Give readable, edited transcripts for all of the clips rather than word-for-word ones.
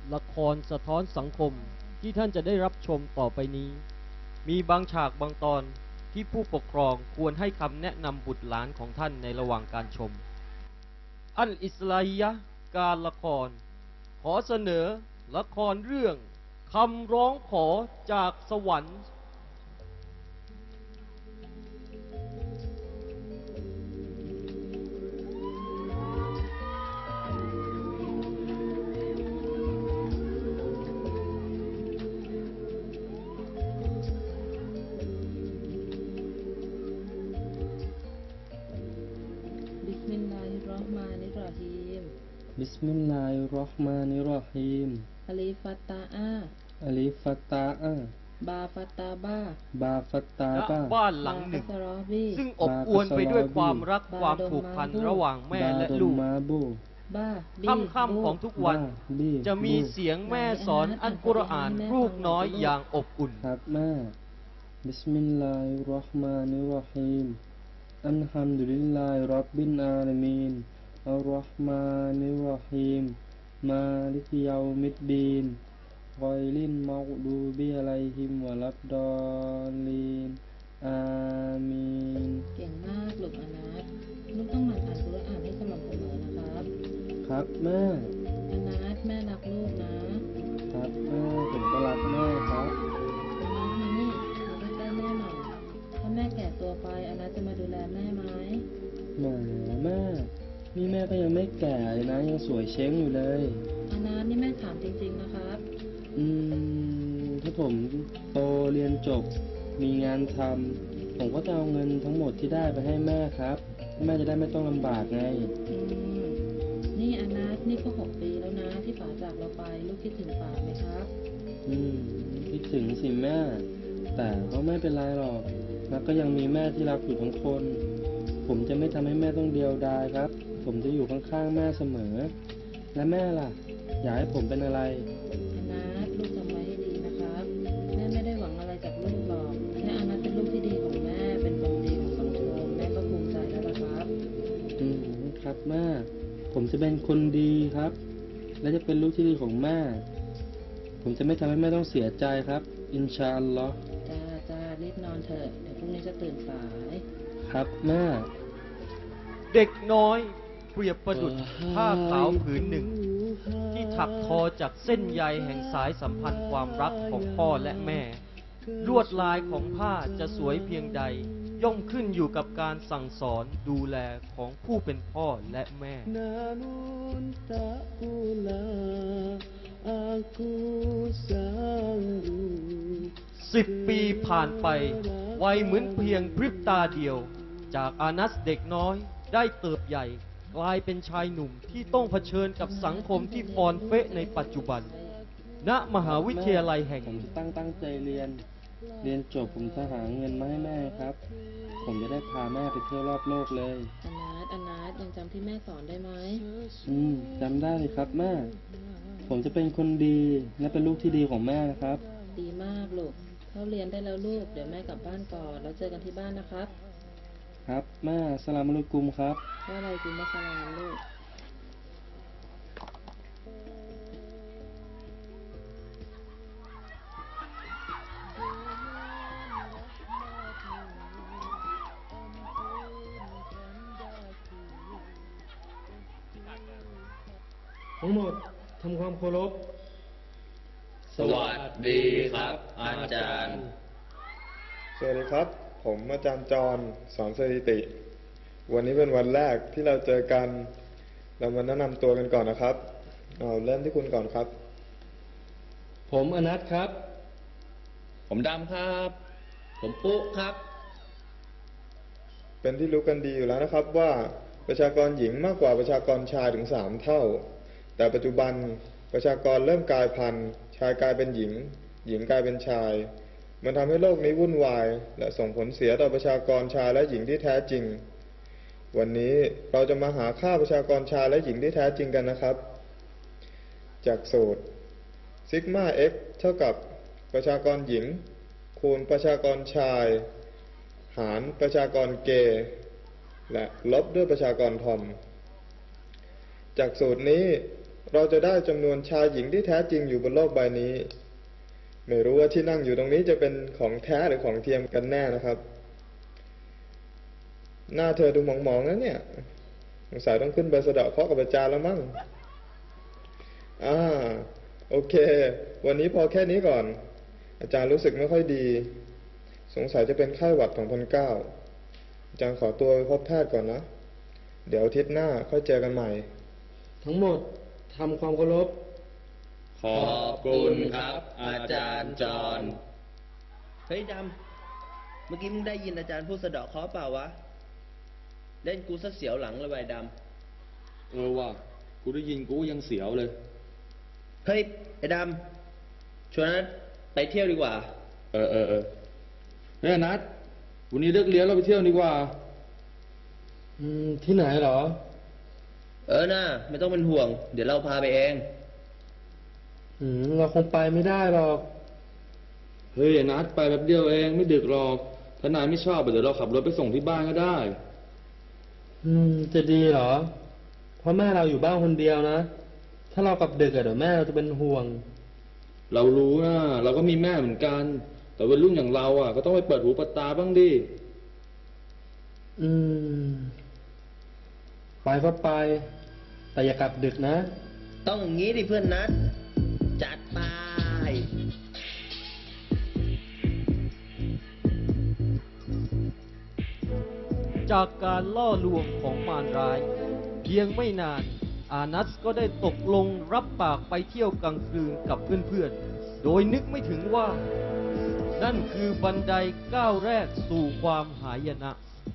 ละครสะท้อนสังคมที่ท่านจะได้รับชมต่อไปนี้มีบางฉากบางตอนที่ผู้ปกครองควรให้คำแนะนำบุตรหลานของท่านในระหว่างการชมอัลอิสลาฮิยะห์การละครขอเสนอละครเรื่องคำร้องขอจากสวรรค์บิสมิลลาฮิรเราะห์มานิรเราะฮีมบิสมิลลาฮิรเราะห์มานิรเราะฮีมอะลีฟัตตาอาอะลิฟัตตาอาบาฟัตตาบาบาฟัตตาณบาบ้านหลังหนึ่งบาคัสรอบีซึ่งอบอวลไปด้วยความรักความผูกพันระหว่างแม่และลูกบาดุมมาบูบาบีค่ำๆของทุกวันบีจะมีเสียงแม่สอนอัลกุรอานลูกน้อยอย่างอบอุ่นครับแม่บิสมิลลาฮิรเราะห์มานิรเราะฮีมอัลฮัมดุลิลลาฮิร็อบบิลอาลามีนอัรเราะห์มานิรเราะฮีมมาลิกยอมิดดีนกอยลินมักดูบิอะลัยฮิมวะลัดดอลลีนอามีนเก่งมากลูกอานัทลูกต้องหมั่นอ่านกุรอานให้สม่ำเสมอนะครับครับแม่อานัทแม่รักลูกนะครับแม่ผมก็รักแม่ครับอานัทมานี่มาใกล้ๆแม่หน่อยถ้าแม่แก่ตัวไปอานัทจะมาดูแลแม่ไหมแหมแม่นี่แม่ก็ยังไม่แก่เลยนะยังสวยเช้งอยู่เลยอานัทนี่แม่ถามจริงๆนะครับถ้าผมโตเรียนจบมีงานทำผมก็จะเอาเงินทั้งหมดที่ได้ไปให้แม่ครับแม่จะได้ไม่ต้องลำบากไงอืมนี่อานัทนี่ก็6 ปีแล้วนะที่ป๋าจากเราไปลูกคิดถึงป๋าไหมครับคิดถึงสิแม่แต่ก็ไม่เป็นไรหรอกนักก็ยังมีแม่ที่รักอยู่ทั้งคน ผมจะไม่ทำให้แม่ต้องเดียวดายครับผมจะอยู่ข้างๆแม่เสมอและแม่ล่ะอยากให้ผมเป็นอะไรอานัทลูกจำไว้ให้ดีนะครับแม่ไม่ได้หวังอะไรจากลูกหรอกแค่อานัทเป็นลูกที่ดีของแม่เป็นคนดีของสังคมแม่ก็ภูมิใจแล้วล่ะครับครับแม่ผมจะเป็นคนดีครับและจะเป็นลูกที่ดีของแม่ผมจะไม่ทำให้แม่ต้องเสียใจครับอินชาอัลลอฮ์จ้ารีบนอนเถอะเดี๋ยวพรุ่งนี้จะตื่นสายครับแม่เด็กน้อยเปรียบประดุจผ้าขาวผืนหนึ่งที่ถักทอจากเส้นใยแห่งสายสัมพันธ์ความรักของพ่อและแม่ลวดลายของผ้าจะสวยเพียงใดย่อมขึ้นอยู่กับการสั่งสอนดูแลของผู้เป็นพ่อและแม่10 ปีผ่านไปวัยเหมือนเพียงพริบตาเดียวจากอานัสเด็กน้อยได้เติบใหญ่กลายเป็นชายหนุ่มที่ต้องเผชิญกับสังคมที่ฟอนเฟะในปัจจุบันณมหาวิทยาลัยแห่งผมตั้งใจเรียนจบผมจะหาเงินมาให้แม่ครับผมจะได้พาแม่ไปเที่ยวรอบโลกเลยอานัทยังจำที่แม่สอนได้ไหมจำได้เลยครับแม่ผมจะเป็นคนดีและเป็นลูกที่ดีของแม่นะครับดีมากลูกเข้าเรียนได้แล้วลูกเดี๋ยวแม่กลับบ้านก่อนแล้วเจอกันที่บ้านนะครับครับแม่อัสสลามุอะลัยกุมครับว่าอะไรกุมอัสสลามลูกทั้งหมดทำความเคารพสวัสดีครับอาจารย์สวัสดีครับผมอาจารย์จรสอนสถิติวันนี้เป็นวันแรกที่เราเจอกันเรามาแนะนำตัวกันก่อนนะครับเริ่มที่คุณก่อนครับผมอนัทครับผมดำครับผมปุ๊ครับเป็นที่รู้กันดีอยู่แล้วนะครับว่าประชากรหญิงมากกว่าประชากรชายถึง3 เท่าแต่ปัจจุบันประชากรเริ่มกลายพันธุ์ชายกลายเป็นหญิงหญิงกลายเป็นชายมันทำให้โลกนี้วุ่นวายและส่งผลเสียต่อประชากรชายและหญิงที่แท้จริงวันนี้เราจะมาหาค่าประชากรชายและหญิงที่แท้จริงกันนะครับจากสูตรซิกมา x เท่ากับประชากรหญิงคูณประชากรชายหารประชากรเกย์และลบด้วยประชากรทอมจากสูตรนี้เราจะได้จำนวนชายหญิงที่แท้จริงอยู่บนโลกใบนี้ ไม่รู้ว่าที่นั่งอยู่ตรงนี้จะเป็นของแท้หรือของเทียมกันแน่นะครับ หน้าเธอดูหมองๆนะเนี่ยสงสัยต้องขึ้นไปสะเดาะเคราะห์กับอาจารย์แล้วมั้งโอเค วันนี้พอแค่นี้ก่อน อาจารย์รู้สึกไม่ค่อยดี สงสัยจะเป็นไข้หวัด2009อาจารย์ขอตัวไปพบแพทย์ก่อนนะ เดี๋ยวอาทิตย์หน้าค่อยเจอกันใหม่ทั้งหมดทำความเคารพขอบคุณครับ อาจารย์จอนเฮ้ยดำ เมื่อกี้มึงได้ยินอาจารย์พูดสะเดาะเคราะห์เปล่าวะ เล่นกูซะเสียวหลังเลยว่ะไอ้ดว่ะกูได้ยินกูยังเสียวเลยำ เฮ้ยไอ้ดำชวนนัดไปเที่ยวดีกว่าเฮ้ยนัดวันนี้เลิกเรียนเราไปเที่ยวดีกว่าที่ไหนเหรอน่ะไม่ต้องเป็นห่วง เดี๋ยวเราพาไปเองเราคงไปไม่ได้หรอกเฮ้ยนัดไปแป๊บเดียวเองไม่ดึกหรอก ถ้านายไม่ชอบเดี๋ยวเราขับรถไปส่งที่บ้านก็ได้จะดีเหรอ เพราะแม่เราอยู่บ้านคนเดียวนะ ถ้าเรากลับดึกเดี๋ยวแม่เราจะเป็นห่วงเรารู้นะเราก็มีแม่เหมือนกัน แต่วัยรุ่นอย่างเราก็ต้องไปเปิดหูเปิดตาบ้างดิไปก็ไป แต่อย่ากลับดึกนะต้องอย่างงี้ดิเพื่อนนัด จัดไปจากการล่อลวงของมารร้าย เพียงไม่นาน อานัสก็ได้ตกลงรับปากไปเที่ยวกลางคืนกับเพื่อนๆ โดยนึกไม่ถึงว่า นั่นคือบันไดก้าวแรกสู่ความหายนะ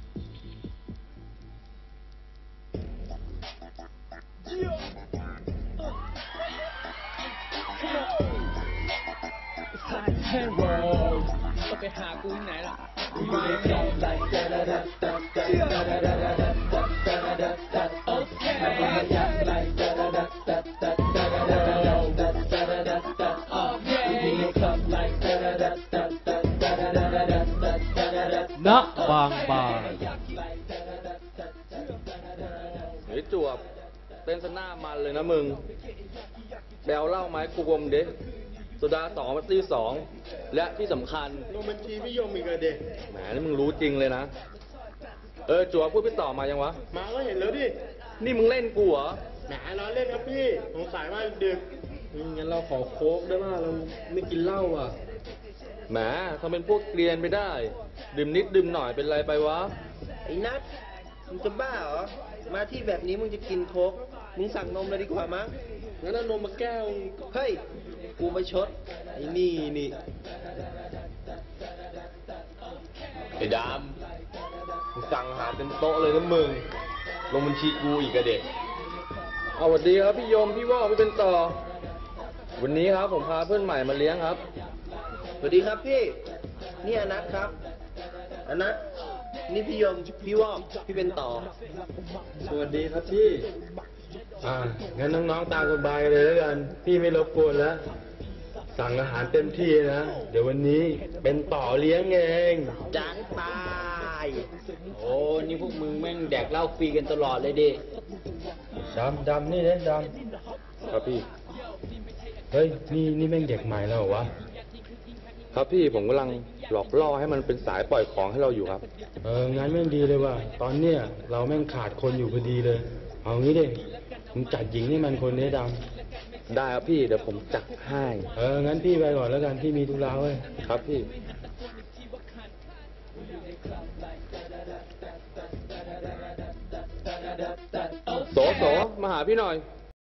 ไปหากูที่ไหนล่ะณ บางบาเฮ้ยจวบเต้นสหน้ามันเลยนะมึงแบลเหล่าไม้กูกลมเด็กโซดา2มัตตี้2และที่สำคัญลงบัญชีไม่ยอมอีกเด็กแหมนี่มึงรู้จริงเลยนะ จวบพูดไปต่อมายังวะมาก็เห็นแล้วดินี่มึงเล่นกูเหรอแหมล้อเล่นครับพี่ สงสัยว่าดึกงั้นเราขอโค้กได้ไหมเราไม่กินเหล้าอ่ะแหมทำเป็นพวกเกรียนไปได้ ดื่มนิดดื่มหน่อยเป็นไรไปวะไอ้นัด มึงจะบ้าเหรอ มาที่แบบนี้มึงจะกินโค้ก มึงสั่งนมเลยดีกว่ามั้งงั้นเอานมมาแก้วเฮ้ย กูไปชด ไอ้นี่ไอ้ดำมึงสั่งอาหารเต็มโต๊ะเลยนะมึง ลงบัญชีกูอีกอะเด็กเอาสวัสดีครับพี่ยม พี่ว่าวพี่เป็นต่อ วันนี้ครับผมพาเพื่อนใหม่มาเลี้ยงครับสวัสดีครับพี่ นี่อนัทครับ อนัท นี่พี่ยม พี่วอกพี่เป็นต่อสวัสดีครับพี่งั้นน้องๆตามสบายเลยแล้วกัน พี่ไม่รบกวนแล้ว สั่งอาหารเต็มที่นะ เดี๋ยววันนี้เป็นต่อเลี้ยงเองจังไปโอ้ นี่พวกมึงแม่งแดกเหล้าฟรีกันตลอดเลยดิดำนี่เล่นดครับพี่ำเฮ้ย นี่แม่งเด็กใหม่แล้วเหรอวะครับพี่ผมกำลังหลอกล่อให้มันเป็นสายปล่อยของให้เราอยู่ครับงั้นแม่งดีเลยว่ะ ตอนเนี้ยเราแม่งขาดคนอยู่พอดีเลย เอางี้ดิ มึงจัดหญิงให้มันคนนี้ดได้ครับพี่เดี๋ยวผมจัดให้ำงั้นพี่ไปก่อนแล้วกัน พี่มีธุระเว้ยครับพี่ โสมาหาพี่หน่อย